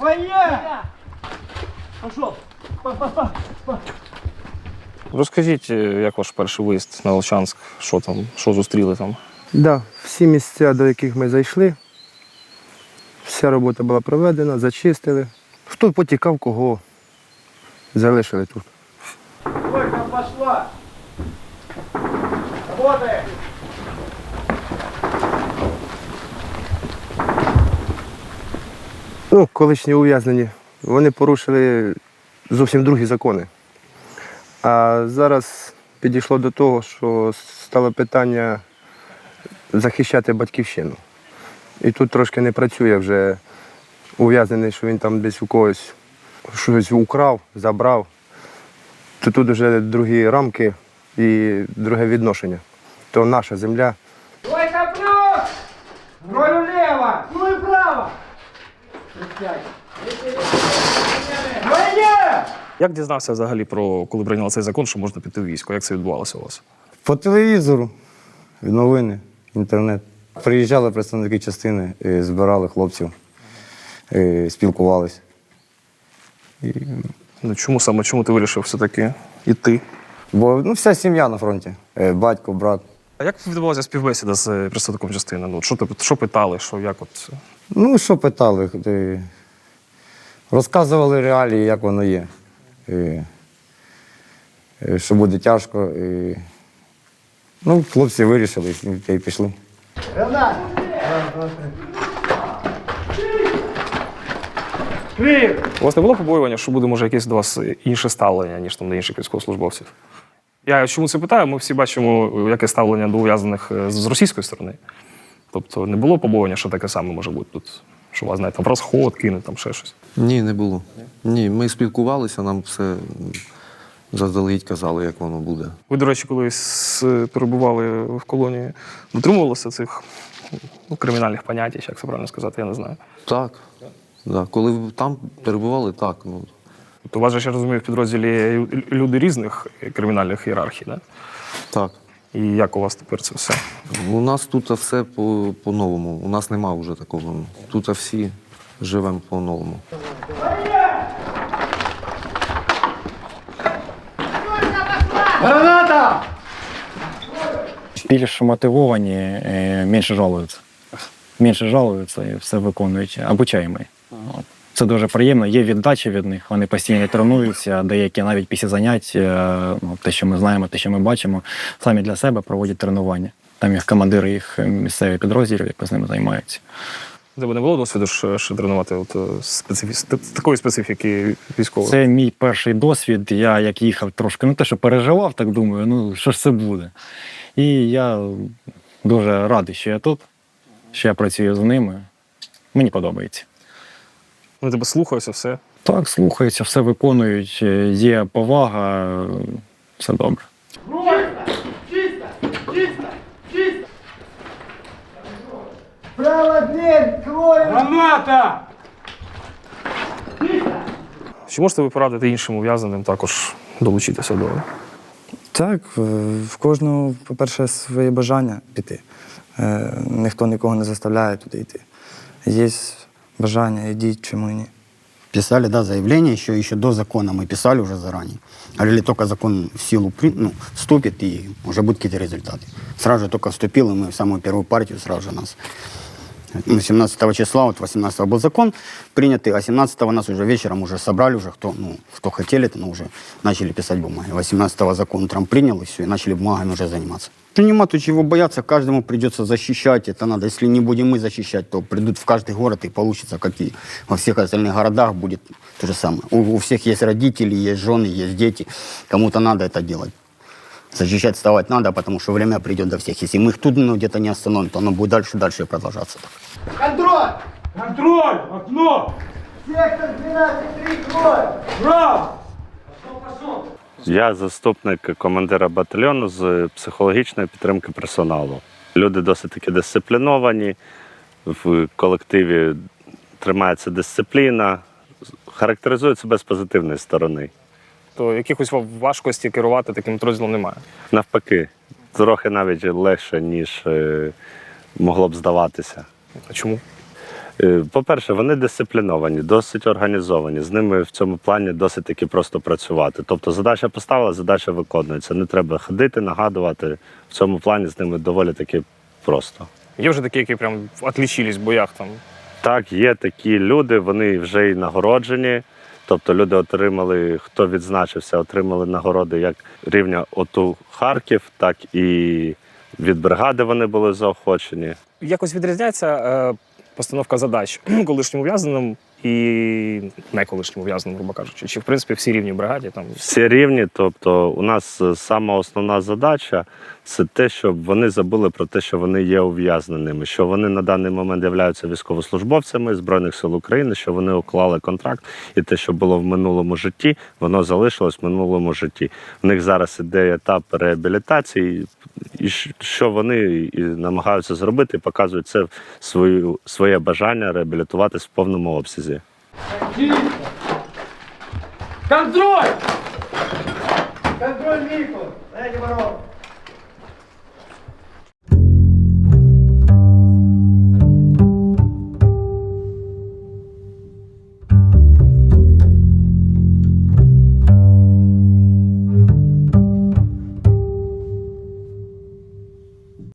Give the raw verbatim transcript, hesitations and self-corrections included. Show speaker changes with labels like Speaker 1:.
Speaker 1: Своє! Пошов!
Speaker 2: Розкажіть, як ваш перший виїзд на Волчанськ, що там, що зустріли там?
Speaker 3: Да, всі місця, до яких ми зайшли, вся робота була проведена, зачистили. Хто потікав, кого залишили тут.
Speaker 1: Тройка пошла! Работай!
Speaker 3: Ну, колишні ув'язнені, вони порушили зовсім другі закони. А зараз підійшло до того, що стало питання захищати батьківщину. І тут трошки не працює вже ув'язнений, що він там десь у когось щось украв, забрав. То тут вже другі рамки і друге відношення. То наша земля.
Speaker 1: Тройка плюс! Роль влево! Ну и право! Двойне!
Speaker 2: Як дізнався взагалі про, коли прийняли цей закон, що можна піти в військо? Як це відбувалося у вас?
Speaker 4: По телевізору, новини, інтернет. Приїжджали представники частини, і збирали хлопців, і спілкувались. І...
Speaker 2: Ну, чому саме, чому ти вирішив все-таки йти?
Speaker 4: Бо ну, вся сім'я на фронті. Е, Батько, брат.
Speaker 2: А як відбувалася співбесіда з представником частини? Ну, що, ти, що питали, що, як от?
Speaker 4: Ну, що питали? Е, Розказували реалії, як воно є. І, і що буде тяжко. І... Ну, хлопці вирішили і, і пішли.
Speaker 1: Гранат! Крив!
Speaker 2: У вас не було побоювання, що буде, може, якесь до вас інше ставлення, ніж там до інших військовослужбовців? Я чому це питаю? Ми всі бачимо, яке ставлення до ув'язнених з російської сторони. Тобто не було побоювання, що таке саме може бути тут? Що вас, знаєте, там розход, кинуть, там ще щось?
Speaker 5: Ні, не було. Ні, ми спілкувалися, нам все заздалегідь казали, як воно буде.
Speaker 2: Ви, до речі, колись перебували в колонії, дотримувалися цих ну, кримінальних понять, як це правильно сказати, я не знаю.
Speaker 5: Так. Да. Коли ви там перебували, так. Ну.
Speaker 2: Тобто у вас же, я розумію, в підрозділі люди різних кримінальних ієрархій, да?
Speaker 5: Так.
Speaker 2: І як у вас тепер це все?
Speaker 5: У нас тут все по- по-новому. У нас нема вже такого. Тут всі живемо по-новому.
Speaker 1: Граната!
Speaker 6: Більш мотивовані, е, менше жалуються. Менше жалуються і все виконують. Обучаємо. От. Це дуже приємно. Є віддача від них. Вони постійно тренуються, деякі навіть після занять, е, ну, те, що ми знаємо, те, що ми бачимо, самі для себе проводять тренування. Там їх командири, їх місцеві підрозділів, які з ними займаються.
Speaker 2: У тебе не було досвіду ще, ще тренувати от, специфі... такої специфіки військової?
Speaker 6: Це мій перший досвід. Я як їхав трошки, ну те, що переживав, так думаю, ну що ж це буде. І я дуже радий, що я тут, що я працюю з ними. Мені подобається.
Speaker 2: Вони тебе слухаються, все?
Speaker 6: Так, слухаються, все виконують, є повага, все добре.
Speaker 1: Чисто! Чисто! Чисто! Право дверь! Твою! Граната!
Speaker 2: Чи можете ви порадити іншим ув'язненим також долучитися до?
Speaker 7: Так, в кожного, по-перше, своє бажання піти. Е, Ніхто нікого не заставляє туди йти. Є бажання, йдіть, чому ні.
Speaker 8: Писали, да, заявление еще, еще до закона мы писали уже заранее. Говорили, только закон в силу при- ну, вступит, и уже будут какие-то результаты. Сразу же только вступил, и мы в самую первую партию сразу же нас... Ну, семнадцатого числа, вот восемнадцатого был закон принятый, а семнадцатого нас уже вечером уже собрали, уже кто, ну, кто хотели, то ну, уже начали писать бумаги. восемнадцатого закон утром принял, и все, и начали бумагами уже заниматься. Нема тут чего бояться, каждому придется защищать, это надо. Если не будем мы защищать, то придут в каждый город и получится, как и во всех остальных городах будет то же самое. У, у всех есть родители, есть жены, есть дети, кому-то надо это делать. Защищать, вставать надо, потому что время придет до всех. Если мы их тут ну, где-то не остановим, то оно будет дальше, дальше продолжаться.
Speaker 1: Контроль! Контроль! Окно! Сектор двенадцать три, крой! Браво! Пошел, пошел!
Speaker 9: Я заступник командира батальйону з психологічної підтримки персоналу. Люди досить таки дисципліновані, в колективі тримається дисципліна, характеризують себе з позитивної сторони.
Speaker 2: То якихось важкості керувати таким підрозділом немає?
Speaker 9: Навпаки, трохи навіть легше, ніж е, могло б здаватися.
Speaker 2: А чому?
Speaker 9: Е, По-перше, вони дисципліновані, досить організовані. З ними в цьому плані досить таки просто працювати. Тобто задача поставила, задача виконується. Не треба ходити, нагадувати. В цьому плані з ними доволі таки просто.
Speaker 2: Є вже такі, які прям отлічились в боях там.
Speaker 9: Так, є такі люди, вони вже й нагороджені. Тобто люди отримали, хто відзначився, отримали нагороди як рівня ОТУ Харків, так і від бригади вони були заохочені.
Speaker 2: Якось відрізняється е, постановка задач колишнім ув'язненим і не колишнім ув'язненим, грубо кажучи. Чи, в принципі, всі рівні в бригаді? Там...
Speaker 9: Всі рівні, тобто у нас сама основна задача – це те, щоб вони забули про те, що вони є ув'язненими, що вони на даний момент являються військовослужбовцями Збройних сил України, що вони уклали контракт, і те, що було в минулому житті, воно залишилось в минулому житті. У них зараз іде етап реабілітації, і що вони і намагаються зробити, і показують це свою, своє бажання реабілітуватись в повному обсязі.
Speaker 1: Чисто. Контроль! Контроль, Микола! Дайте ворот!